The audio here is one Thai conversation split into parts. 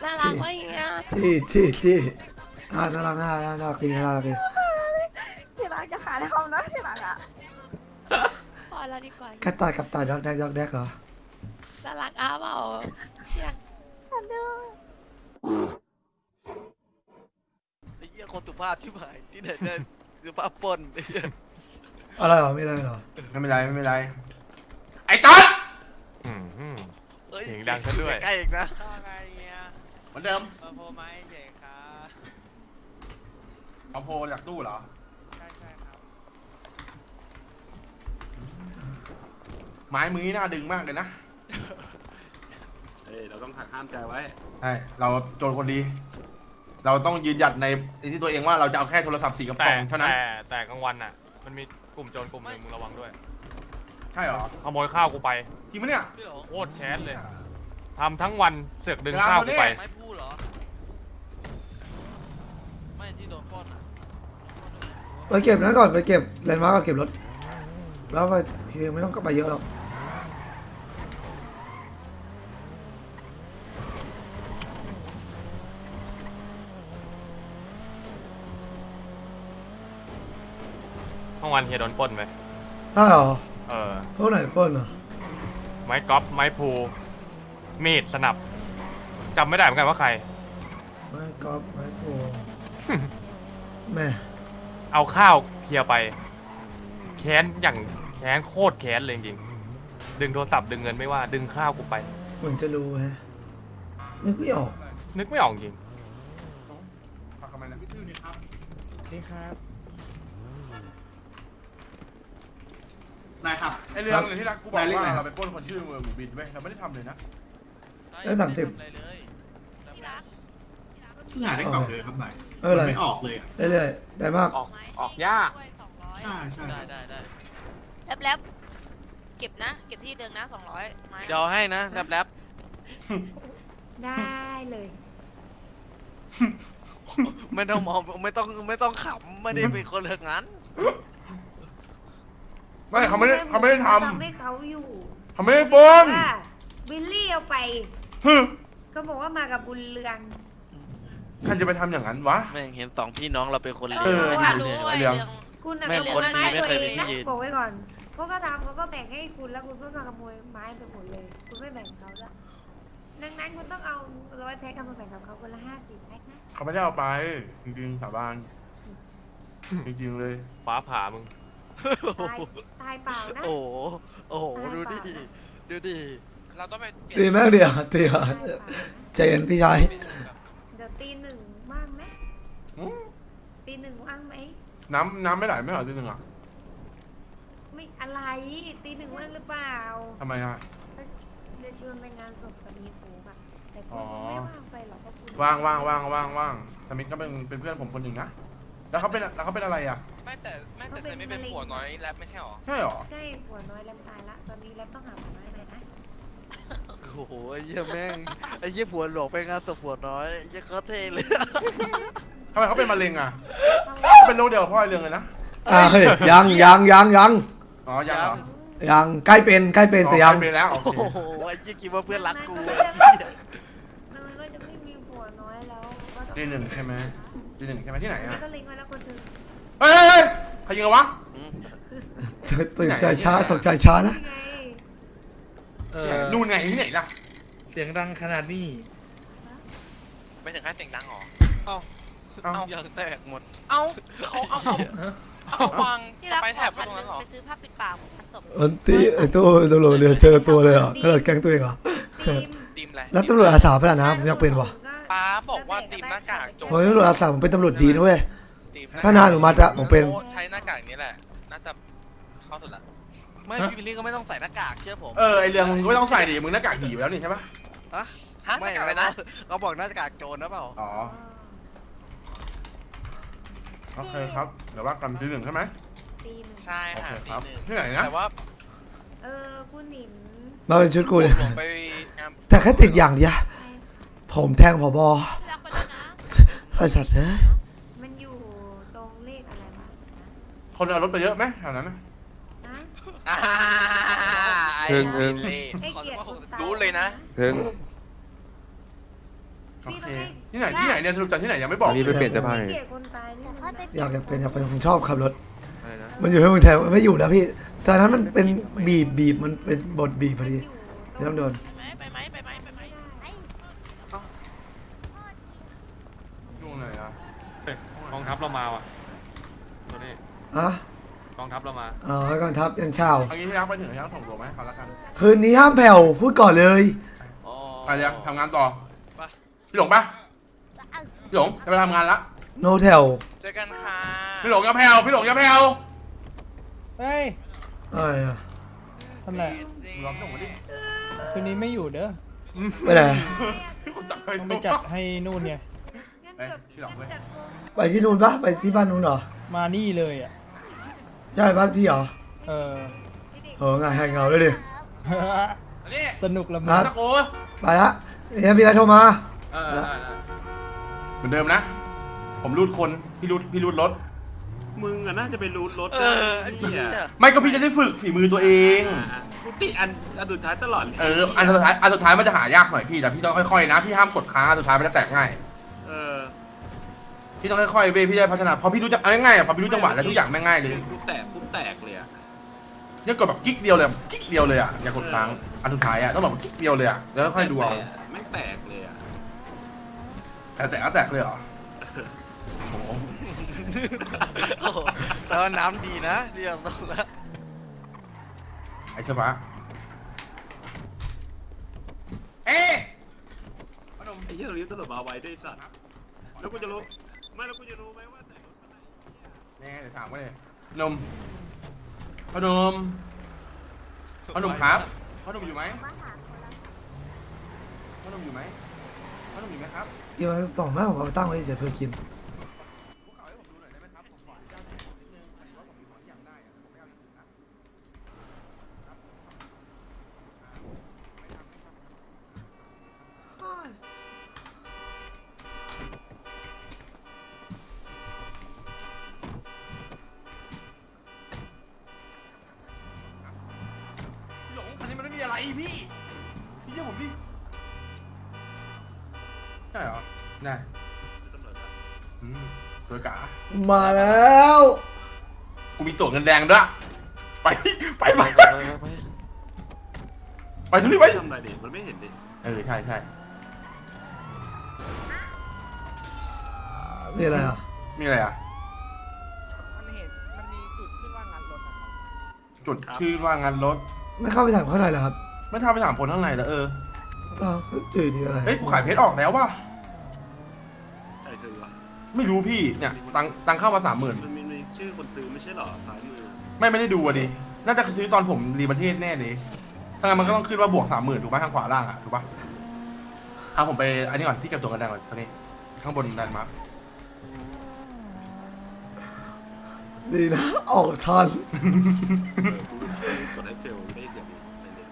น่ารักไหมอ่ะที่น่ารักจริงน่ารักจริงที่รักจะขาทำนะที่รักอ่ะพอแล้วดีกว่ากระต่ายกับตายดอกแดกเหรอน่ารักอ้าเปล่าอยากฉันดูไอ้เหี้ยคนสุภาพชิบหายที่ไหนได้สุภาพปนไอ้เหี้ยอะไรเหรอไม่ได้เหรอไม่เป็นไรไอ้ต๊อดเฮ้ยเสียงดังซะด้วยใกล้ๆอีกนะไงเงี้ยเหมือนเดิมมาโพไม้เด็กครับเอาโพลจากตู้เหรอใช่ครับไม้มือนี่น่าดึงมากเลยนะเฮ้ยเราต้องหักห้ามใจไว้ใช่เราโจรคนดี เราต้องยืนหยัดในที่ตัวเองว่าเราจะเอาแค่โทรศัพท์4กระป๋องเท่านั้นแต่กลางวันอ่ะ มันมีกลุ่มโจรกลุ่มหนึ่งมึงระวังด้วยใช่เหรอขโมยข้าวกูไปจริงปะเนี่ยพี่หลงโคตรแค้นเลยทำทั้งวันเสือกดึงข้าวกูไปไม่พูดเหรอไม่ที่โดนปล้นอ่ะไปเก็บนั้นก่อนไปเก็บแลนด์มาร์กก่อนเก็บรถแล้วไปคือไม่ต้องก็ไปเยอะหรอกทั้งวันเฮียโดนปล้นไปได้เหรอเออพวกไหนปล้นอ่ะไม้กอล์ฟไม้พูมีดสนับจำไม่ได้เหมือนกันว่าใครไม่กอล์ฟไม่โพแม่เอาข้าวเฮียไปแค้นอย่างแค้นโคตรแค้นเลยจริงๆดึงโทรศัพท์ดึงเงินไม่ว่าดึงข้าวกูไปเหมือนจะรู้ฮะนึกไม่ออกนึกไม่ออกจริงพักทำไมนะนี่ครับได้ครับไอเรื่องเลยที่รักกูบอกได้เลขว่าอะไรเราไปปล้นคนชื่อเมืองหมูบินไว้ยเราไม่ได้ทำเลยนะได้30 อะไรเลยที่รักเพิ่งหาได้กล่องเลยครับใบเอออะไรไม่ออกเลยอ่ะเรื่อยๆได้มากออกยากใช่ใช่ได้แล้วเก็บนะ เก็บที่เดิมนะ200ไม้เดี๋ยวให้นะแรปได้เลยๆไม่ต้องมองไม่ต้องขำไม่ได้เป็นคนเรื่องนั้นไม่เขาไม่ได้ททำให้เขาอยู่ำเขาไม่ได้ปล้นว่าวิลลี่เอาไปฮึก็บอกว่ามากับบุญเรืองใครจะไปทำอย่างนั้นวะแม่งเห็นสองพี่น้องเราเป็นคนเลวเออรู้ไม่รู้รู้ไอ้เรื่เรื่ออง งคุณน่ะแม่งก็คนดีเลี้ยงไม่เคยมีตัวที่เองยืนบอกไว้ก่อนพวกก็ทำเขาก็แบ่งให้คุณแล้วคุณก็มาขโมยไม้ไปหมดเลย คุณไม่แบ่งเขาละดังนั้นคุณต้องเอา100แพ็คเอามาแบ่งกับเขาคนละ50แพ็คนะเขาไม่ได้เอาไป จริงๆสาบานจริงๆเลยฟ้าผ่ามึงตายเปล่านะโอ้โหดูดิดูดิเราต้องไปเปลี่ยนตีแม่งเดียวตีอ่ะตายเปล่านะใจเย็นพี่ชายเดี๋ยวตีหนึ่งว่างไหมอืมตีหนึ่งว่างไหมน้ำไม่ไหลไม่เหรอทีนึงอ่ะไม่อะไรตีหนึ่งว่างหรือเปล่าทำไมอ่ะจะชวนไปงานศพสามีปูอะแต่คุอ๋ณอไม่ว่างไปหรอกเพราะคุณว่างสมิธก็เป็นเพื่อนผมคนหนึ่งนะแล้วเขาเป็นอะไรอ่ะไม่แต่เซนไม่เป็นผัวน้อยแรปไม่ใช่หรอใช่หรอใช่หัวน้อยแล้วตายละตอนนี้แล้วต้องหาหัวน้อยหน่อยนะโอ้โหไอ้เหี้ยแม่งไอ้เหี้ยผัวหลวงไปงานศพผัวน้อยไอ้เหี้ยเขาเท่เลยทำไมเขาเป็นมะเร็งอ่ะเขาเขาเป็นโรคเดียวกับพ่อไอเรื่องเลยนะเฮ้ยยังอ๋อยังเหรอยังใกล้เป็นแต่ยังเป็นแล้วโอโอ้เคโหไอ้เหี้ยคิดว่าเพื่อนรักกูมันไอ้เหี้ยก็จะไม่มีหัวน้อยแล้วก็ต้องตีหนึ่งใช่ไหมตีหนึ่งใช่ไหมที่ไหนอ่ะก็เล็งไว้แล้วคนหนึ่งเฮ้ยใครยิงกันวะตื่นใจช้าตกใจช้านะนี่ไงนู่นไงที่ไหนล่ะเสียงดังขนาดนี้ไม่ถึงขั้นเสียงดังหรอเอ้าเอ้ายางแตกหมดเอาเขาวางที่รักไปขแถอบไปพันตรงหนั้นึ่นงหรอไปซื้อผ้าปิดปากพันศพวันที่ไอ้ตู้ตำรวจเดี๋ยวเจอตัวเลยอ่ะขนาดแก๊งตัวเองเหรอทีมตีมอะไรแล้วตำรวจอาสาไปแล้วนะผมอยากเป็นว่ะป้าบอกว่าตีมหน้ากากโจรผมเป็นตำรวจอาสาผมเป็นตำรวจดีนะเว้ยตีมถ้านานหนูมาจะผมเป็นใช้หน้ากากนี้แหละ น่าจะเข้าสุดละไม่พี่วิลลี่ก็ไม่ต้องใส่หน้ากากเชื่อผมไอเรื่องมึงก็ไม่ต้องใส่ดิมึงหน้ากากหีไปแล้วนี่ใช่ปะฮะฮะหไม่น้ากากอะไรนะเขาบอกหน้ากากโจรนะเปล่าอ๋อโอเคครับเดี๋ยวว่ากันตีหนึ่งใช่ไหมทีมใช่โอค่ะเคตีครับหนึ่งที่ไหนนะแต่ว่าคุณหนิมมาเป็นชุดกูเนี่ยผมไปงานแต่แค่ติดอย่างเดียวผมแทงผบที่รักไปแล้วนะไอ้สัตว์เอ้ยมันอยู่ตรงเลขอะไรวะคนเอารถไปเยอะไหมแถวนั้นนะนะอ่าไอ้ถึงเล่ให้เกียรติคนตายรู้เลยนะถึงโอพี่เคต้องให้ที่ไหนเนี่ยสรุปจากที่ไหนยังไม่บอกอันนี้ไปเปลี่ยนเสื้อผ้าหน่อยเกลียดคนตายนี่มันอยากเป็นผมชอบขับรถอะไรนะมันอยู่ที่เมืองไทยมันไม่อยู่แล้วพี่ตอนนั้นมันเป็นบีบมันเป็นบทบีบพอดีที่ต้องโดนไปไหมช่วงไหนอ่ะเฮ้ยกองทัพเรามาว่ะตัวนี้อะกองทัพเรามาอ๋อกองทัพยันเช้าเอางี้ที่รักไปถึงยังส่งตัวไหมเขาละกันคืนนี้ห้ามแผ่วพูดก่อนเลยไปเดี๋ยวทำงานต่อไปพี่หลงปะพี่หลงจะไปทำงานละโนแถวเจอกันค่ะพี่หลงอย่าแผ่วพี่หลงอย่าแผ่วเฮ้ยอะไรอะทำไรลองส่งมาดิคืนนี้ไม่อยู่เด้อไปไหนคนตักไปต้องไปจัดให้นู่นไงงั้นเกือบที่หลังเว้ยจัดโปรไปที่นู่นปะไปที่บ้านนู้นเหรอมานี่เลยอ่ะใช่บ้านพี่เหรอเอองานแหงเงาด้วยดิอันนี้สนุกละคมึรังบตะโกไปละเนี่ยมีอะไรโทรมาเหมือนเดิมนะ ผมรูดคนพี่รูดรถมึงอะน่าจะไปรูดรถไอ้เหี้ยไม่ก็พี่จะได้ฝึกฝีมือตัวเองกูติดอันสุดท้ายตลอดเลยอันสุดท้ายมันจะหายากหน่อยพี่แต่พี่ต้องค่อยๆนะพี่ห้ามกดค้างอันสุดท้ายมันจะแตกง่ายเออพี่ต้องค่อยๆเว้ยพี่จะพัฒนาพอพี่รู้จักอะไรง่ายอ่ะพอพี่รู้จังหวะแล้วทุกอย่างแม่งง่ายเลยกูแตกเลยอะเนี่ยกดแบบกิ๊กเดียวเลยกิ๊กเดียวเลยอ่ะอย่ากดค้างอันสุดท้ายอ่ะต้องแบบกิ๊กเดียวเลยอ่ะแล้วค่อยดูเอาแม่งแตกเลยอะแตกเลยเหรอโอ้โหโอ้โหแล้วน้ำดีนะเรียกตรงแล้วไอ้เชฟะเอ๊ะไอ้เหี้ยเราลิ้นตลบมาไว้ด้วยสัตว์แล้วกูจะรู้ไม่แล้วกูจะรู้ไหมว่าแต่รถอะไรแน่เดี๋ยวถามว่าเลยนมพ่อนมครับพ่อนมอยู่ไหมพ่อนมอยู่ไหมพ่อนมอยู่ไหมครับเดี๋ยวบอกแม่ผมเอาตั้งไว้เฉยเพื่อกินพวกเขาให้ผมดูหน่อยได้ไหมครับผมขออนุญาตนิดนึงพอดีว่าผมมีของที่อยากได้อะผมไม่เอาอย่างอื่นนะครับพี่หลงคันนี้มันไม่มีอะไรพี่เชื่อผมดิใช่เหรอได้สวยกะมาแล้วกูมีตั๋วเงินแดงด้วยไปทุลีไปทำอะไรดิมันไม่เห็นดิใช่มีอะไรอ่ะมีอะไรอ่ะมันมีจุดขึ้นว่างานรถนะครับจุดชื่อว่างานรถไม่เข้าไปถามข้างในเหรอครับไม่ทำไปถามคนข้างในแล้วอ้าวจุดที่อะไรเฮ้ยกูขายเพชรออกแล้วว่ะใครซื้อวะไม่รู้พี่เนี่ยตังเข้ามา30,000 มันมีชื่อคนซื้อไม่ใช่หรอซ้ายมือไม่ได้ดูอ่ะดิน่าจะซื้อตอนผมรีประเทศแน่เลยถ้างั้นมันก็ต้องขึ้นว่าบวก30,000ถูกไหมทางขวาล่างอ่ะถูกปะเอาผมไปอันนี้ก่อนที่เก็บตั๋วเงินแดงก่อนตอนนี้ข้างบนแลนด์มาร์คดีนะ ออกทันกดให้เฟลได้เดี๋ยวนี้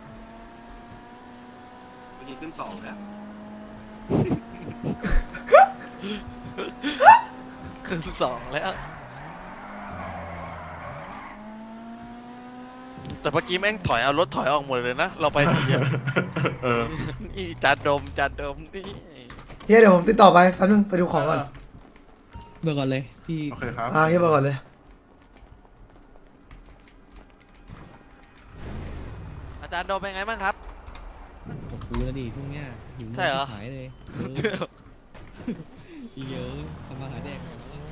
เมื่อกี้ขึ้น2แล้วคือ2แล้ว แต่เมื่อกี้แม่งถอยเอารถถอยออกหมดเลยนะ เราไปทีเดียวนี่จานดมนี่เฮียเดี๋ยวผมติดต่อไปแป๊บนึงไปดูของก่อนเบอร์ก่อนเลยพี่โอเคครับเฮียบอกก่อนเลยอาจารย์ดมเป็นไงบ้างครับผมรู้แล้วดิช่วงเนี้ยหิวใช่เหรอหายเลยเยอะทำมาหาแดกหน่อยแล้วอะ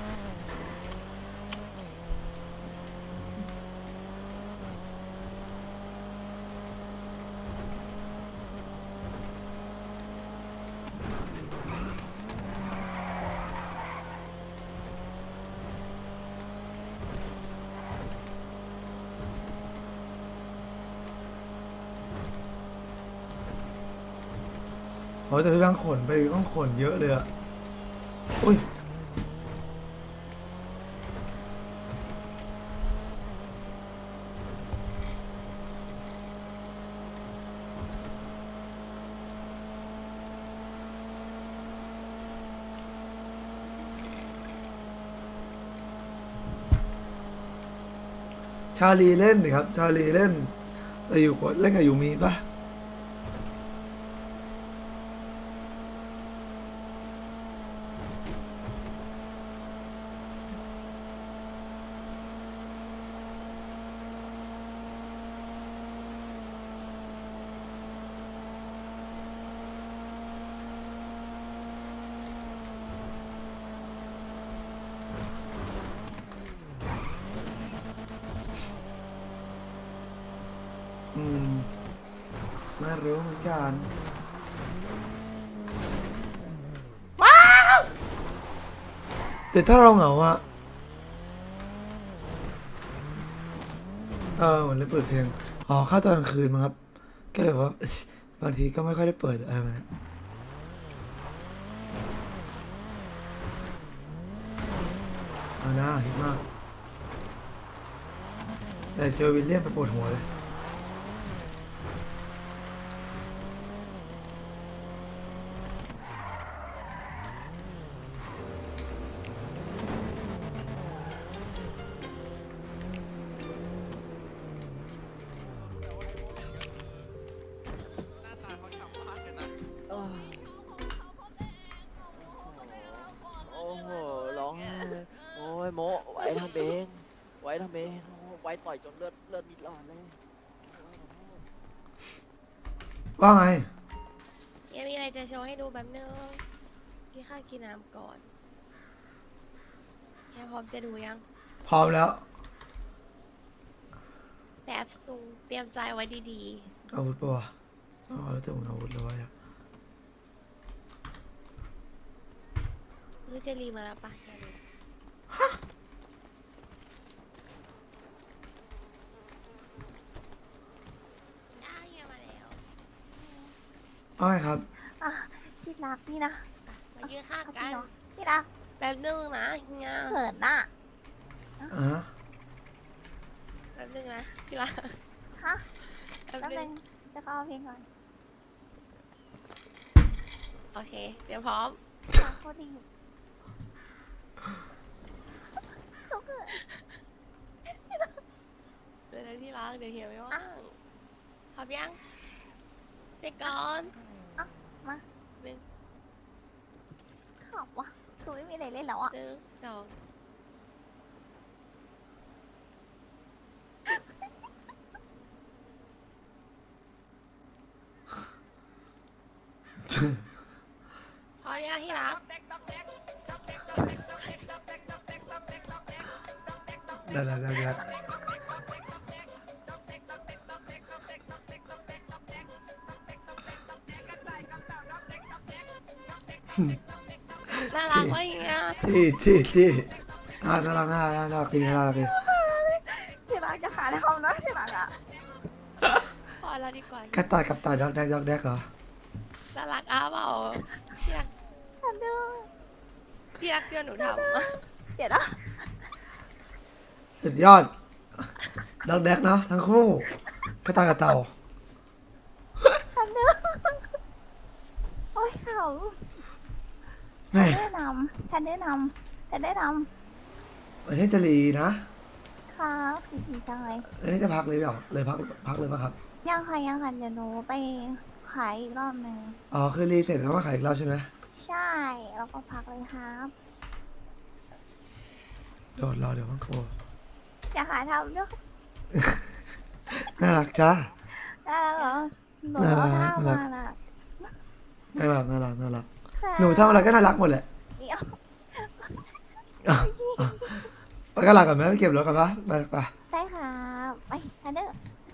โอ้ยแต่พี่แบงค์ขนไปต้องขนเยอะเลยอ่ะอุ้ยชาลีเล่นดิครับ ชาลีเล่นแต่อยู่กดเล่นกับยูมีปะเร็วเหมือนกันแต่ถ้าเราเหงาอะเหมือนเลยเปิดเพลงอ๋อเข้าตอนกลางคืนมั้งครับก็เลยว่าบางทีก็ไม่ค่อยได้เปิดอะไรแบบนี้เอาหน้าคิดมากแต่เจอวิลเลียมไปปวดหัวเลยโอ้โหร้องไห้โอ้ยโมไว้ทำเองไว้ทำเองไว้ต่อยจนเลือดมีหลอดเลยว่าไงยังมีอะไรจะโชว์ให้ดูแบบนึงพี่ข้ากินน้ำก่อนแค่พร้อมจะดูยังพร้อมแล้วแบบตุงเตรียมใจไว้ดีอาวุธปะวะอ๋อแล้วแต่มึงอาวุธแล้ววะเนี่ยๆรู้จะรีมาแล้วปะอย่าดูได้ไงมาแล้วอ้อยครับที่รักนี่นะมายืนข้างจริกังนเหรอที่รักแป๊บนึงนะงาเขินน่ะแป๊บนึงนะพี่ว่าฮะแป๊บแป๊บนึนึงงจะเข้าเพลงก่อนโอเคเตรียมพร้อมโคตรดีเขาเกิดเดี๋ยวนะที่รักเดี๋ยวเฮียไม่ว่างพร้อมยังเด็กก่อนมาหนึ่งขำวะคือไม่มีอะไรเล่นแล้วอ่ะหนึ่งสอง พร้อมยังที่รักได้น่ารักวะอย่างเงี้ยที่น่ารักดีที่รักจะหาทำนะที่รักอ่ะพอแล้วดีกว่ากระต่ายกับต่ายดอกแดกเหรอน่ารักอ้าเปล่าที่รักทันดูที่รักเพื่อนหนูทำเดี๋ยวนะสุดยอดดอกแดกเนาะทั้งคู่กระต่ายกับเต่าทันดูโอ้ยเขาแม่แนะนำทันแนะนำประเทศจะรีนะครับดีจังเลยอันนี้จะพักเลยเปล่าเลยพักเลยป่ะครับยังค่ะเดี๋ยวหนูไปขายอีกรอบหนึ่งอ๋อคือรีเสร็จแล้วมาขายอีกรอบใช่ไหมใช่แล้วก็พักเลยครับโดดรอเดี๋ยวมังโคอย่าหาทำด้วยน่ารักจ้าได้แล้วเหรอหนูเอาท่ามาน่ะน่ารักหนูทำอะไรก็น่ารักหมดแหละเดี๋ยวไปกันหลักก่อนไหมไปเก็บรถกันปะไปได้ครับไปทันเดอร์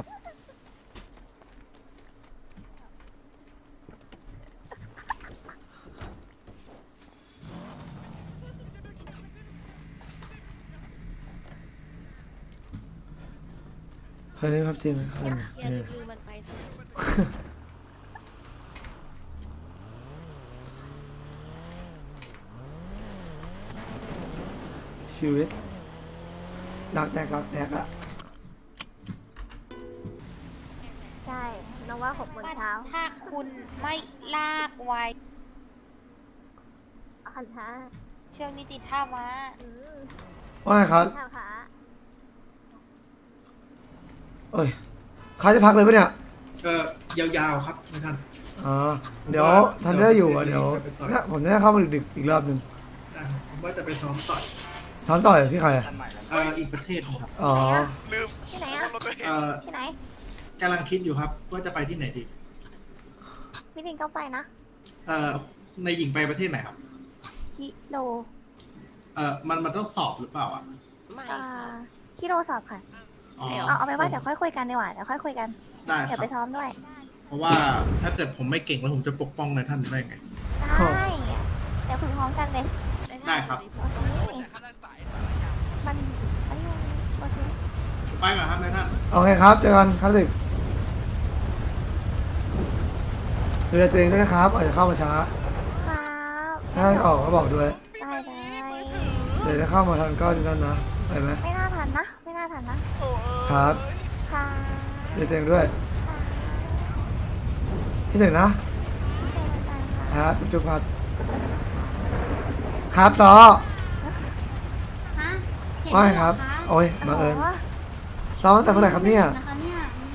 เคยได้ครับจริงไหมเคยอย่าลืมมันไปเถอะชีวิตดอกแดกอะใช่น้องว่า6 โมงเช้าถ้าคุณไม่ลากไว้อันท้าช่วงนี้ติดท่าม้าว่าไงครับท่าขาเอ้ยเขาจะพักเลยปะเนี่ยยาวๆครับท่านอ๋อเดี๋ยวทันเดอร์อยู่อ่ะเดี๋ยวนะผมจะได้เข้ามาดึกๆอีกรอบหนึ่งผมว่าจะไปซ้อมต่อยถามต่อยที่ใครอะอีกประเทศครับอ๋อลืมที่ไหนอ่ะรถตัวเองที่ไหนกำลังคิดอยู่ครับว่าจะไปที่ไหนดีพี่ลิงก็ไปนะในหญิงไปประเทศไหนครับกิโลมันต้องสอบหรือเปล่าอ่ะไม่กิโลสอบค่ะอ๋อเอาไปนว่าเดี๋ยวค่อยคุยกันดีกว่าเดี๋ยวค่อยคุยกันได้คเดี๋ยวรับไปซ้อมด้วยเพราะว่าถ้าเกิดผมไม่เก่งแล้วผมจะปกป้องนายท่านได้ไงได้เดี๋ยวคุยพร้อมกันเลยได้ครับมันโอเคไปก่อนครับนายท่านโอเคครับเจอกันครับสิดูแลตัวเองด้วยนะครับอาจจะเข้ามาช้าครับถ้าออกก็บอกด้วยได้เลยเดี๋ยวถ้าเข้ามาทันก็นั่นนะไปไหมไม่น่าทันนะ ไม่น่าทันนะครับ ค่ะดูแลตัวเองด้วยพี่ถึงนะ ครับจุ๊บครับครับต่อฮะว่าไงครับ โอ้ยบังเอิญซ้อมตั้งแต่เมื่อไหร่ครับเนี่ยนะคะเนี่ย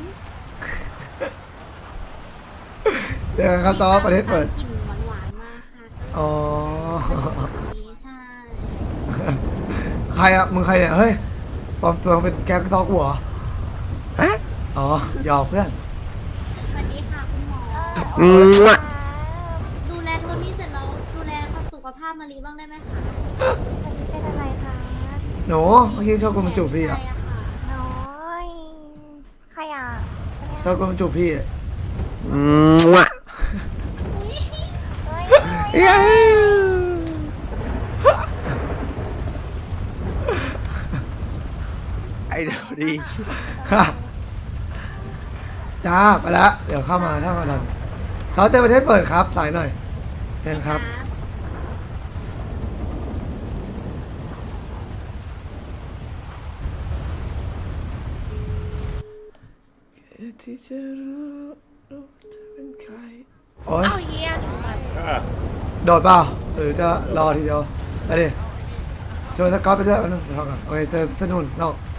เจอกันครับซ้อมประเทศเปิดกลิ่นหวานๆมาค่ะอ๋อใช่ใครอะมึงใครเนี่ย เฮ้ยปลอมตัวเป็นแก๊งตอกหัวอ๋อหยอกเพื่อนสวัสดีค่ะคุณหมอ ดูแลโทนี่เสร็จแล้วดูแลสุขภาพมารีบ้างได้ไหมคะเป็นอะไรคะหนูเมื่อกี้ชอบคนมาจูบพี่อะน้อยใครอ่ะชอบคนมาจูบพี่อะไอ้เดี๋ยวดีจ้าไปแล้วเดี๋ยวเข้ามาถ้ามาทันสาวเจอประเทศเปิดครับสายหน่อยเชิญครับที่จะรู้ว่าจะเป็นใครโอ้ยเอ้าเฮียโดดเปล่าหรือจะรอทีเดียวไปดิชวนสกอตไปด้วยเอาหนึ่งเดี๋ยวเข้ากันโอเคเจอสนุนนอก